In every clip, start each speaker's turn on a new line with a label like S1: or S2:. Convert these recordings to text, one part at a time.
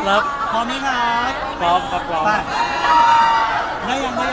S1: รับ
S2: พร้อมไหมครับ
S1: พร้อมครับพร้อม
S2: ไปได้ยังไป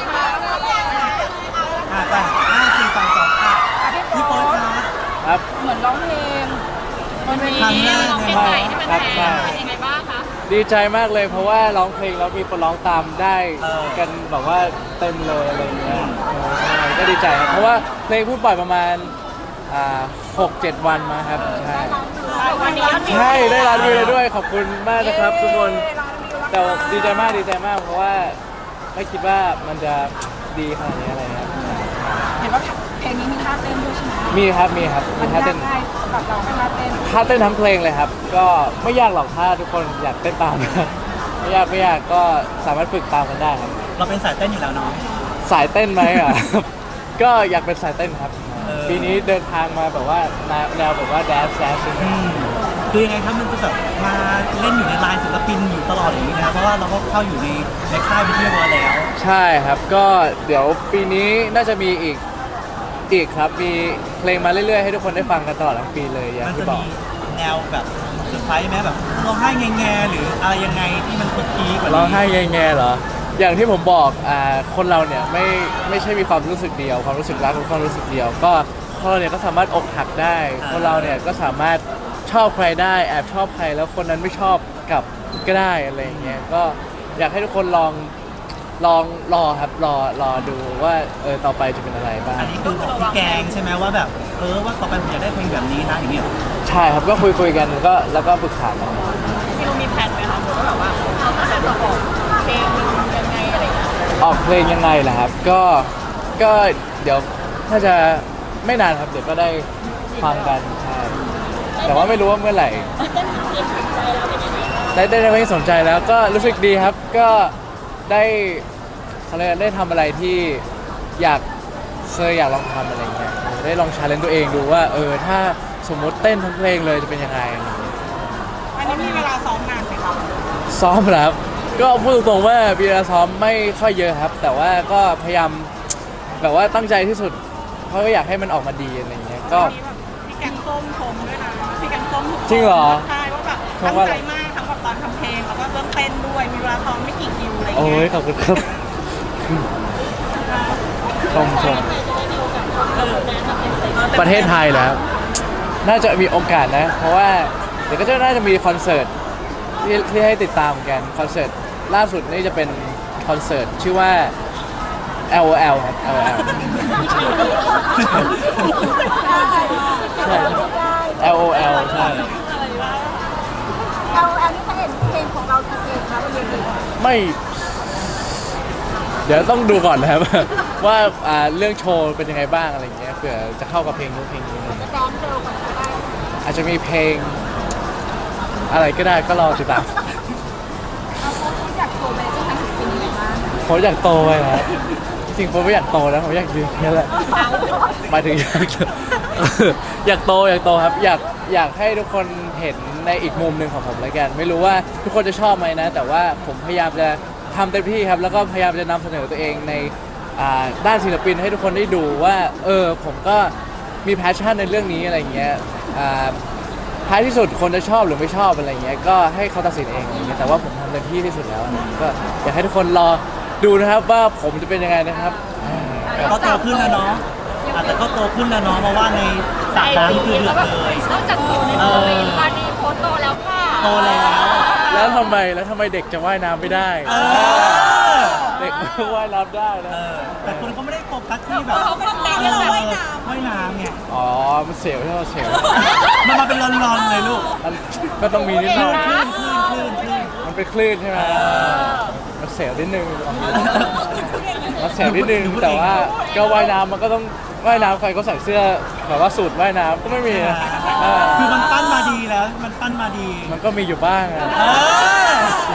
S2: 5 4 3 2พี่โป๊ตครับ
S1: ครับ
S3: เหมือนร้องเพลงบนเว
S2: ครั้ง
S3: ที
S2: แรก
S3: ร้องเพลงใหม่ที่มัน
S1: ครับ
S3: แพ
S1: ใช่
S3: งเป็นยังไงบ้างคะ
S1: ดีใจมากเลยเพราะว่าร้องเพลงแล้วมีคนร้องตามได้กันแบบว่าเต็มเลยอะไรเงี้ยใช่ก็ดีใจครับเพราะว่าเพลงเพิ่งปล่อยประมาณ6-7 วันมาครับใช่
S3: วันนี้
S1: ใช่ได้ร้านวิวเลยด้วยขอบคุณมากนะครับทุกคนแต่ดีใจมากเพราะว่าไม่คิดว่ามันจะดีขนาดนี้อะไรครับ
S3: เห็นว่าเพลงนี้มีท่าเต้นด้วยใช่ไหม
S1: มีครับมี
S3: มัน
S1: ท่าย
S3: าก
S1: เต้น
S3: ง่ายสำหรับเราไม่ท่าเต้น
S1: ท่าเต้นทั้งเพลงเลยครับ ก็ไม่ยากหรอกถ้าทุกคนอยากเต้นตาม ไม่ยากก็สามารถฝึกตามกันได้ครับ
S2: เราเป็นสายเต้นอยู่แล้วเนาะ
S1: สายเต้นไหมอ่ะ ก็อยากเป็นสายเต้นครับ ปีนี้เดินทางมาแบบว่าแนวแบบว่าแดนซ์
S2: คือยังไงครับมันจะแบบมาเล่นอยู่ในไลน์ศิลปินอยู่ตลอดอย่างนี้นะครับเพราะว่าเราก็เข้าอยู่ในค่ายวิทยาลัยแล้ว
S1: ใช่ครับก็เดี๋ยวปีนี้น่าจะมีอีกครับมีเพลงมาเรื่อยๆให้ทุกคนได้ฟังกันตลอดทั้งปีเลยอย่าง
S2: มัน
S1: ที่
S2: จะ
S1: บอก
S2: มีแนวแบบเซอร์ไพรส์ไหมแบบร้องไห้แง่ๆหรืออะไรยังไงที่มันคุกกี้กว่านี้
S1: ร้องไห้แง่ๆเหรออย่างที่ผมบอกคนเราเนี่ยไม่ใช่มีความรู้สึกเดียวความรู้สึกรักหรือความรู้สึกเดียวก็คนเราเนี่ยก็สามารถอกหักได้คนเราเนี่ยก็สามารถชอบใครได้แอบชอบใครแล้วคนนั้นไม่ชอบกลับก็ได้อะไรอย่างเงี้ยก็อยากให้ทุกคนลองรอครับรอดูว่าต่อไปจะเป็นอะไรบ้าง
S2: อันนี้คือบอกพี่แกงใช่ไหมว่าแบบว่าต่อไปผมอยากได้เพลงแบบนี้นะอย่างเงี้ย
S1: ใช่ครับก็คุยกันแล้วก็ปรึกษากัน
S3: พี่รู้มีแผนไหมคะว่าแบบว่าเขาจะแบบออกเพลงยังไงอะไรอย่างเงี้ย
S1: ออกเพลงยังไงล่ะครับก็เดี๋ยวถ้าจะไม่นานครับเดี๋ยวก็ได้ฟังกันใช่แต่ว่าไม่รู้ว่าเมื่อไหร่ได้เพลงสนใจแล้วก็รู้สึกดีครับก็ได้อะไรได้ทำอะไรที่อยากลองทำอะไรเงี้ยได้ลองชาเลนจ์ตัวเองดูว่าถ้าสมมติเต้นทั้งเพลงเลยจะเป็นยังไง
S3: อันนี้มีเวลาซ้อมนานไหมคะ
S1: ซ้อมครับก็พูดตรงๆว่าเวลาซ้อมไม่ค่อยเยอะครับ แต่ว่าก็พยายามแบบว่าตั้งใจที่สุดเพราะก็อยากให้มันออกมาดีอะไรเงี้ยก็
S3: พี่แกงส้มชมด้วยนะพี่แกงส้ม
S1: จริงเหรอ
S3: ใช่ว่าแบบตั้งใจมากทั้งแบบตอนทำเพลงแล้วก็เรื่องเต้นด้วยมีเวลาซ้อมไม่กี่คิวอะไรอย่าง
S1: โอ้
S3: เงี้
S1: ย
S3: ย
S1: ขอบคุณครับชมประเทศไทยแล้วน่าจะมีโอกาสนะ เพราะว่าเดี๋ยวก็จะน่าจะมีคอนเสิร์ตที่ให้ติดตามกันคอนเสิร์ตล่าสุดนี่จะเป็นคอนเสิร์ตชื่อว่า LOL ครับ LOL ใช่ LOL ใช่
S4: เราอันนี้จะเห็นเพลงของเรากี่เพลงคะบนเวที
S1: ไม่เดี๋ยวต้องดูก่อนนะครับ ว่าเรื่องโชว์เป็นยังไงบ้างอะไรเงี้ยเผื่อจะเข้ากับเพลงนู้นเพลงนี้
S4: จะแดนเร็วกว่านี้ก็ได้
S1: อาจจะมีเพลงอะไรก็ได้ก็รอติดตาม
S4: เราโพสต์อยากโชว์ไปจะทำเป็นยังไงบ้าง
S1: ผมอยากโตไปนะจริงๆผมไม่อยากโตนะผมอยากยืนแค่แหละหมายถึงอยากโตครับอยากให้ทุกคนเห็นในอีกมุมหนึ่งของผมแล้วกันไม่รู้ว่าทุกคนจะชอบไหมนะ แต่ว่าผมพยายามจะทำเต็มที่ครับแล้วก็พยายามจะนำเสนอตัวเองในด้านศิลปินให้ทุกคนได้ดูว่าผมก็มีแพชชั่นในเรื่องนี้อะไรเงี้ยท้ายที่สุดคนจะชอบหรือไม่ชอบอะไรเงี้ยก็ให้เขาตัดสินเองอะไรเงี้ยแต่ว่าผมทำเต็มที่ที่สุดแล้วนะก็อยากให้ทุกคนรอดูนะครับว่าผมจะเป็นยังไงนะครับ
S2: ก็โตขึ้นแล้วเนาะอาจจะก็โตขึ้นแล้วเนาะเพราะว่าในสระน้ำคือเดือดเลย
S3: นอกจากโตในโมเมนต์ตอนนี้โพสต์โตแล้วค่ะ
S2: โตแล้ว
S1: แล้วทำไมเด็กจะว่ายน้ำไม่ได้ เด็กว่ายน้ำได้นะ
S2: แต่คนเขาไม่ได้โฟกัสที่แบบ
S3: เขาก็เต้นที่เราว่ายน้
S2: ว่ายน้ำเนี่ย
S1: อ๋อมันเสียวใช่ไหมเสียว
S2: มันมาเป็นรอนๆเลยลูก
S1: มันก็ต้องมีนิดหน่อย
S2: คลื่น
S1: มันเป็นคลื่นใช่ไหมมันเสียวนิดนึงมันเสียวนิดนึงแต่ว่าก็ว่ายน้ำมันก็ต้องว่ายน้ำใครก็ใส่เสื้อแบบว่าสูทว่ายน้ำก็ไม่มีนะ
S2: คือมันปั้นมาดีแล้วมันปั้นมาดี
S1: มันก็มีอยู่บ้างอะ
S2: เออ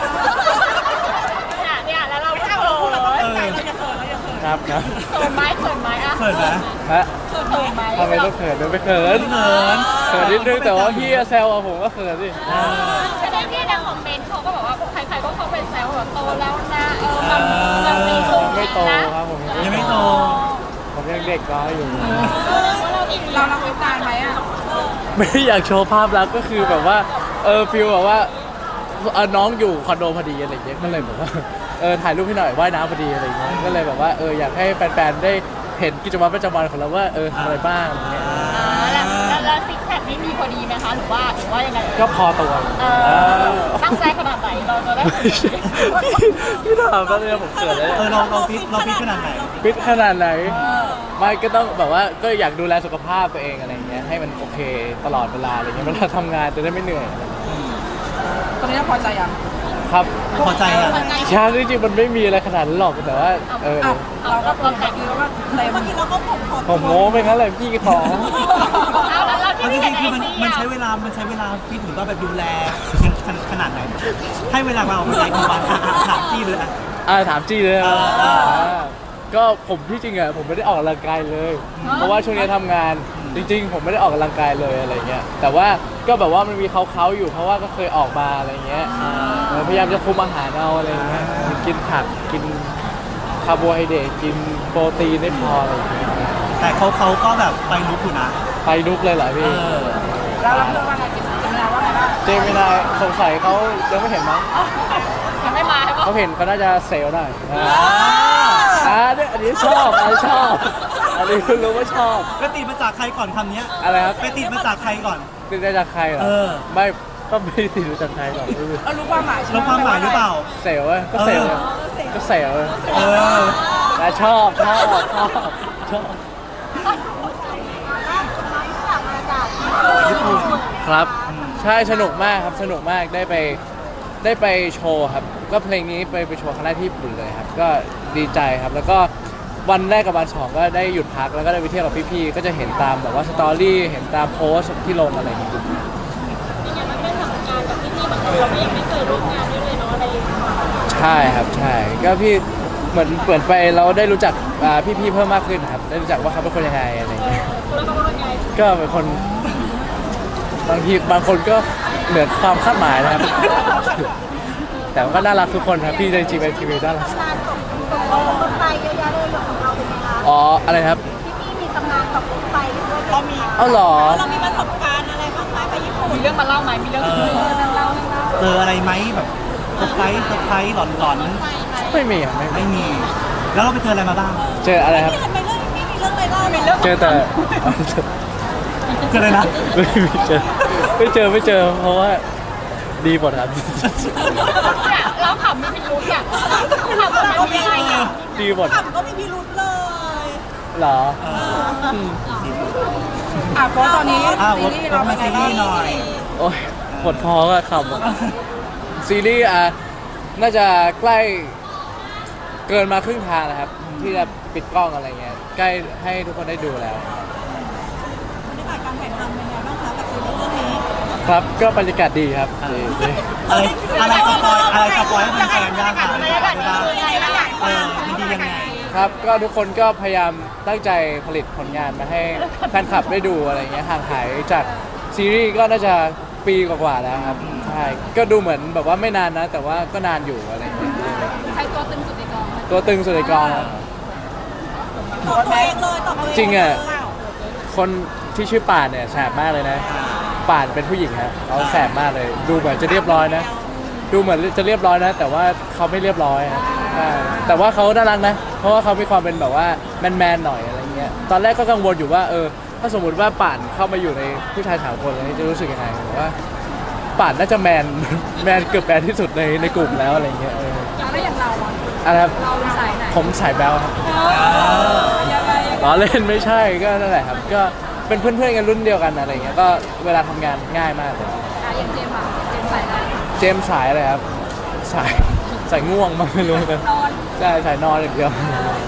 S3: ำเนี่ยแล้วเราไม่เอาเราตั้งใจเราจะเขินเราจะเขิน
S1: ครับครับ
S3: เขินไหมเขินไหมอะ
S2: เขินนะ
S1: ฮะ
S3: เขินไหม
S1: ทำไมต้องเขินด้วยไม่เขิน
S2: เขิน
S1: เขินนิดนึงแต่ว่าพี่แซวอะผมก็เขินสิ
S3: ใช่ไหมพี่ในคอมเมนต์เขาก็บอกว่าใครๆก็เข้าไปแซวแบบโตแล้วนะมันมีสูง
S1: ไม่โต
S3: นะครับ
S1: ผม
S2: ยังไม่โต
S1: ผมยังเด็กน้อยอยู่
S3: เราไปตามไหมอะ
S1: ไม่ได้อยากโชว์ภาพลักษณ์ก็คือแบบว่าฟิลแบบว่าน้องอยู่คอนโดพอดีอะไรอย่างเงี้ยก็เลยแบบว่าถ่ายรูปให้หน่อยว่ายน้ำพอดีอะไรอย่างเงี้ยก็เลยแบบว่าอยากให้แฟนๆได้เห็นกิจวัตรประจำวันของเราว่าทำอะไรบ้างอะไรเงี้ย
S3: แล้วซิกแพคนี่มีพอดีไหมคะหรือว่ายังไง
S1: ก็พอตัว
S3: ตั้งใจขนาดไหนเราจะได้
S1: พี่ถามตอนนี้ผมเกิดเลย
S2: เราฟิตขนาดไหน
S1: ฟิตขนาดไหนไม่ก็ต้องแบบว่าก็อยากดูแลสุขภาพตัวเองอะไรเงี้ยให้มันโอเคตลอดเวลาอะไรเงี้ยเวลาทำงานจะได้ไม่เหนื่อย
S4: ตอนนี้พอใจยัง
S1: ครับ
S2: พอใจอ่ะ
S1: ช้างจริงๆมันไม่มีอะไรขนาดนั้นหรอกแต่ว่า
S4: เราก็ตัวแต่งแล้วก็เต็มเมื่อกี้เราก็
S1: ผมโม้ไปงั้นเลยพี่ของ
S3: เอาแล้ว
S2: เอา
S3: ที่
S2: จ
S3: ไม่
S2: ริ
S3: เห็น
S2: งๆคือ
S3: ไอ
S2: มัน
S3: จี
S2: ใช้เวลาฟิตหรือว่าแบบดูแลขนาดไหนให้เวลาเราเป็นไรกี่วันถามจี้เลยอ่ะ
S1: ถามจี้เลยนะ
S2: เออ
S1: ก็ผมที่จริงอะผมไม่ได้ออกกำลังกายเลย เพราะว่าช่วงนี้ทำงานจริงๆ ผมไม่ได้ออกกำลังกายเลยอะไรเงี้ยแต่ว่าก็แบบว่ามันมีเขาอยู่เพราะว่าก็เคยออกมาอะไรเงี้ยพยายามจะคุมอาหารเอาอะไรเงี้ยกินผักกินคาร์โบไฮเดรตกินโปรตีนได้พออะไรเงี้ย
S2: แต่เขาก็แบบไปลุกอยู่นะ
S1: ไปลุกเลยเหรอพี่
S4: แล้วเราเพื่อนว่าไงจิมมี่ว่าไงบ้าง
S1: เจมินายสงสัยเขายังไม่เห็นมั้ง
S3: ยังไม่มาใช่ปะ
S1: เขาเห็นเขาน่าจะเซลล์หน่อยเนี่ยอันนี้ชอบอันนี้ชอบอันนี้คุณรู้ว่าชอบ
S2: ไปติดมาจากใครก่อนคำเนี้ย
S1: อะไรครับ
S2: ไปติดมาจากใครก่อน
S1: ติดได้จากใครเหรอ ไม่ก็ไม่ได้ติดจากใครหรอก
S4: รู้ความหมายใช่ไหม
S2: แล้วความหมายหรือเปล่า
S1: เซลล์อะก็เซลล์อะก็เซลล์อะ
S2: เออ
S1: แต่ชอบครับใช่สนุกมากครับสนุกมากได้ไปโชว์ครับก็เพลงนี้ไปโชว์ครั้งแรกที่ญี่ปุ่นเลยครับก็ดีใจครับแล้วก็วันแรกกับวันสองก็ได้หยุดพักแล้วก็ได้ไปเที่ยวกับพี่ๆก็จะเห็นตามแบบว่าสตอรี่เห็นตามโพสต์ที่ลงอะไรอย่างเงี้ย
S3: อย่างมันได้ทำงานกับพี่ๆบางคนเราไม่ยังไม่เคยร่วมงานด้วยเลยเนาะอะไรอย่างเงี้ย
S1: ใช่ครับใช่ก็พี่เหมือนไปเราได้รู้จักพี่ๆเพิ่มมากขึ้นครับได้รู้จักว่าเขาเป็นคนยังไงอะไรอย่างเงี้ย
S3: แล้วก็เป็นไง
S1: ก็เป็นคนบางคนก็เหนือความคาดหมายนะครับ แต่ก็น่ารักทุกคนครับพี่ในจีเป็นทีวีน่ารัก
S5: ตำนานตกรถไฟเยอะแยะเลยของเราเป็นไงคะ
S1: อ๋ออะไรครับ
S5: พี่มีตำนานตกรถไฟด้วย
S3: เรามี
S1: เอาเหรอ
S5: เรามีประสบการณ์อะไรบ้างไหมไปญี่ปุ่น
S3: มีเรื่องมาเล่าไหมมีเรื่อง
S2: เออ เจออะไรไหมแบบเซอร์ไพรส์หลอน
S1: ไม่มีครับไม่
S2: ๆไม่มี แล้วเราไปเจออะไรมาบ้าง
S1: เจออะไรครับ
S5: ทำไมเรื่องไม่มีเรื่องอะไรเล่ามีเรื่อง
S1: เจอแต่
S2: เจออะไรนะ
S1: ไม่เจอเพราะว่าดีหมดครับ
S3: เนี่ยเราขำมีพิรุธอ่ะขำมันมีอะไรอ่ะ
S1: ดีหมด
S5: ขับก็มีพิรุธเลย
S1: เหรอ
S4: เพราะตอนนี้
S2: วดมาซีรีส์หน่อย
S1: โอ้ยหมดพอก็ขำอะซีรีส์น่าจะใกล้เกินมาครึ่งทางแล้วครับ ที่จะปิดกล้องอะไรเงี้ยใกล้ให้ทุกคนได้ดูแล้ว
S5: บรรยากาศการถ่ายทำเป็นไงบ้างคะกับซีรีส์เรื่องนี้
S1: ครับก็บรรยากาศดีครับดี
S2: อะไรสปอยให้แฟนๆย่างค่ะอะไรสปอยได้มันดียังไง
S1: ครับก็ทุกคนก็พยายามตั้งใจผลิตผลงานมาให้แฟนคลับได้ดูอะไรเงี้ยห่างหายจากซีรีส์ก็น่าจะปีกว่าๆแล้วครับใช่ก็ดูเหมือนแบบว่าไม่นานนะ แต่ว่าก็นานอยู่อะไรเงี้ย
S3: ใครตัวตึงสุดในกอง
S1: ตัวตึงสุดในกอง
S5: ตอบตัวเองเลยตอบตัวเอง
S1: จริงอ่ะคนที่ชื่อป่านเนี่ยแสบมากเลยนะป่านเป็นผู้หญิงฮะเขาแสบมากเลย ดูเหมือนจะเรียบร้อยนะ ดูเหมือนจะเรียบร้อยนะ แต่ว่าเขาไม่เรียบร้อยฮะใช่แต่ว่าเขาน่ารักนะ เพราะว่าเขามีความเป็นแบบว่าแมนๆหน่อยอะไรเงี้ยตอนแรกก็กังวลอยู่ว่าถ้าสมมติว่าป่านเข้ามาอยู่ในผู้ชายสามคนแล้วจะรู้สึกยังไงผมว่าป่านน่าจะแมน เกือบแมนที่สุดในกลุ่มแล้วอะไรเงี้ย
S4: แล้วอย่างเราอ่ะ
S1: อะไรครับ
S4: เราสายไหน
S1: ผมสายแบลครับ
S4: ยังไง
S1: ล้อเล่นไม่ใช่ก็นั่นแหละครับก็เป็นเพื่อนๆกันรุ่นเดียวกันอะไรเงี้ยก็เวลาทำงานง่ายมากเลย
S4: อย่างเจมส์อ่ะเจมส์สายไหน
S1: เจมส์สายอะไรครับสายง่วงมากไม่รู้กัน
S4: นอน
S1: ใช่สายนอนอย่างเดียว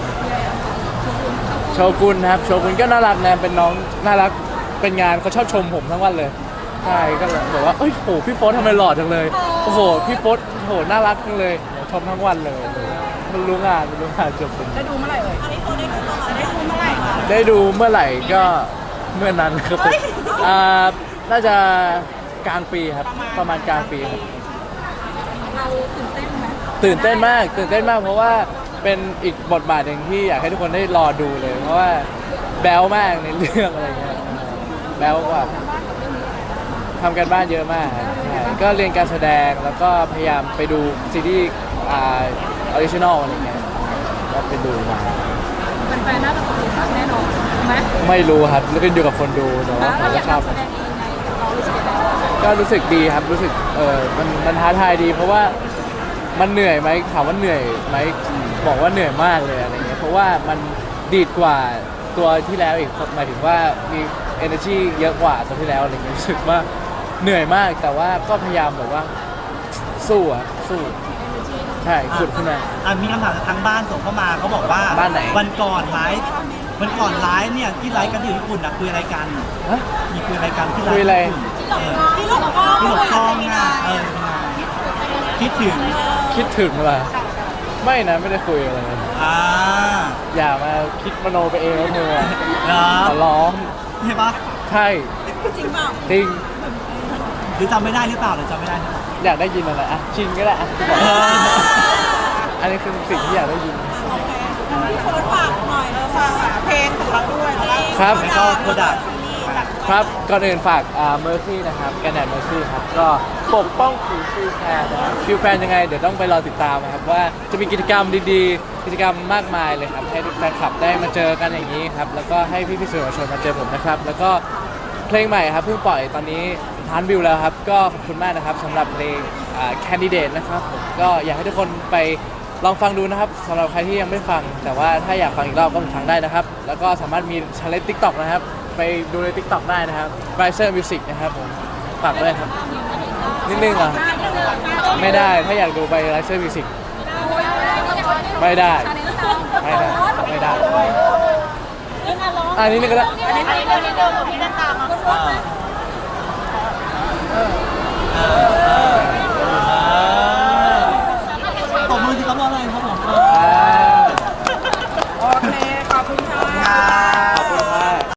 S1: โชกุนครับโชกุนก็น่ารักนะเป็นน้องน่ารักเป็นงานเขาชอบชมผมทั้งวันเลยใช่ก็เลยบอกว่าเอ้ยโหพี่โฟสทำไมหล่อจังเลยโอ้โหพี่โฟสโหน่ารักจังเลยชมทั้งวันเลยมันรู้งานจบเป็น
S4: ได้ดูเมื่อไหร่เอ่ย
S5: อันนี้เขาได้ดูตลอด
S4: ได้ดูเมื่อไหร่คะ
S1: ได้ดูเมื่อไหร่ก็เมื่อนั้นครับน่าจะกลางปีครับประมาณกลางปีครับ
S4: เราตื่นเต้นไหม
S1: ตื่นเต้นมากเพราะว่าเป็นอีกบทบาทหนึ่งที่อยากให้ทุกคนได้รอดูเลย เพราะว่าแบ๊วมากในเรื่องอะไรเงี้ยแบ๊วกว่าทำกันบ้านเยอะมากครับใช่ก็เรียนการแสดงแล้วก็พยายามไปดูซีรีส์ออริจินอลอะไรเงี้ยก็ไปดูมา
S3: เป็นแฟนน่าจะตกหลุมรักแน่นอนไหม
S1: ไม่รู้ครับแล้วขึ้นอยู่กับคนดูแต่ว่าผม
S3: เรา
S1: ก็
S3: อยาก
S1: ชอบ
S3: แสดงเองไงเรารู้สึกยังไง
S1: ก็รู้สึกดีครับรู้สึกมันท้าทายดี เพราะว่ามันเหนื่อยไหมถามว่าเหนื่อยไหมบอกว่าเหนื่อยมากเลยอะไรเงี้ยเพราะว่ามันดีดกว่าตัวที่แล้วอีกหมายถึงว่ามี energy เยอะกว่าตัวที่แล้วอะไรเงี้ยรู้สึกว่าเหนื่อยมากแต่ว่าก็พยายามแบบว่าสู้อะสู้ใช่ขุดขึ้นมา
S2: มีคำถามจากทางบ้านส่งเข้ามาเขาบอกว่า
S1: บ้านไหน
S2: วันก่อนไลฟ์เนี่ยที่ไลฟ์กันที่ญี่ปุ่นนะคุยอะไรกัน
S1: ฮะ
S2: มีคุยอะไรกันที่ไลฟ์
S1: คุยอะไร
S2: ที่หลงกล้องที่หลงกล้องอ่ะคิดถึง
S1: คิดถึงว่ะไม่นะไม่ได้คุยอะไรเลย
S2: อ่า
S1: อย่ามาคิดมโนไปเองนะเธอ
S2: เหรอ
S1: ขอร้อง
S2: ใช่ปะ
S1: ใช่
S5: จริงเปล่า
S1: จริง
S2: หรือจำไม่ได้หรือเปล่าหรือจำไม่ได้หรือเปล่า
S1: อยากได้ยินอะไรอ่ะชินก็ได้อ่ะอันนี้คือสิ่งที่อยากได้ยิน
S5: โอเคพี่โค้ดฝากหน่อยฝากเพลงของเราด้วยแล้ว
S1: ครับ
S2: แล้วก็โปรดักต์
S1: ครับก่อนอื่นฝากMercy นะครับกันแดด Mercy ครับก็ปกป้องผิวฟิวแฟนนะครับฟิวแฟนยังไงเดี๋ยวต้องไปรอติดตามนะครับว่าจะมีกิจกรรมดีๆ กิจกรรมมากมายเลยครับให้ทุกแฟนคลับได้มาเจอกันอย่างนี้ครับแล้วก็ให้พี่ๆสื่อมวลชนมาเจอผมนะครับแล้วก็เพลงใหม่ครับเพิ่งปล่อยตอนนี้ล้านวิวแล้วครับก็ขอบคุณมากนะครับสำหรับเพลงCandidate นะครับผมก็อยากให้ทุกคนไปลองฟังดูนะครับสำหรับใครที่ยังไม่ฟังแต่ว่าถ้าอยากฟังอีกรอบก็ฟังได้นะครับแล้วก็สามารถมี challenge TikTok นะครับไปดูใน TikTok ได้นะครับ Riser Music นะครับผมฝากด้วยครับนิดนึงเหรอไม่ได้ถ้าอยากดูไป Riser Music ไม่ได้ไม่ได้อันนี้นึงก็ได้
S3: อันนี้เดิมพี่นันตามมา